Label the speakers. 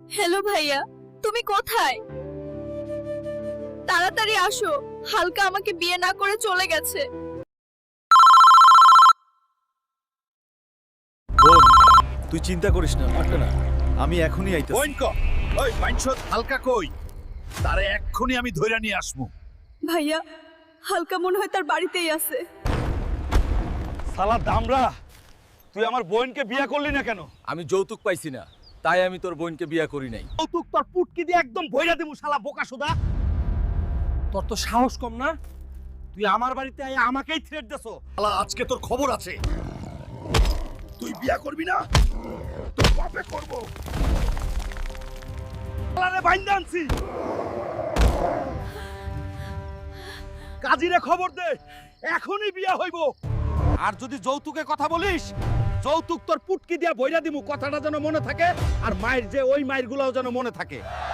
Speaker 1: Hello ভাইয়া, তুমি কোথায়? তাড়াতাড়ি আসো, হালকা আমাকে বিয়ে না করে চলে গেছে।
Speaker 2: বোন, তুই চিন্তা করিস না, পারবে না। আমি এখনই আইতেছি।
Speaker 3: বইন ক ওই মাইনসত হালকা কই তারে এক্ষুনি আমি ধইরা নিয়ে আসবো।
Speaker 1: ভাইয়া, হালকা মনে হয় তার বাড়িতেই আছে।
Speaker 2: শালা দামরা, তুই আমার বোনকে বিয়ে করলি না কেন?
Speaker 4: আমি যৌতুক পাইছি না, তাই আমি তোর বোনকে বিয়ে করি নাই।
Speaker 2: কৌতুক তোর পুটকি দিয়ে একদম ভইরা দেবো শালা বোকাসোদা। তোর তো সাহস কম না? তুই আমার বাড়িতে আয় আমাকেই থ্রেট দেছো।
Speaker 3: শালা আজকে তোর খবর আছে। তুই বিয়া করবি না, তোর বাপে করব।
Speaker 2: শালারে বাইন্দা আনছি। কাজীরে খবর দে, এখনই বিয়া হইব। আর যদি যৌতুকে কথা বলিস, যৌতুক তোর পুটকি দিয়া বইরা দিমু, কথাটা যেন মনে থাকে। আর মায়ের যে ওই মায়ের গুলাও যেন মনে থাকে।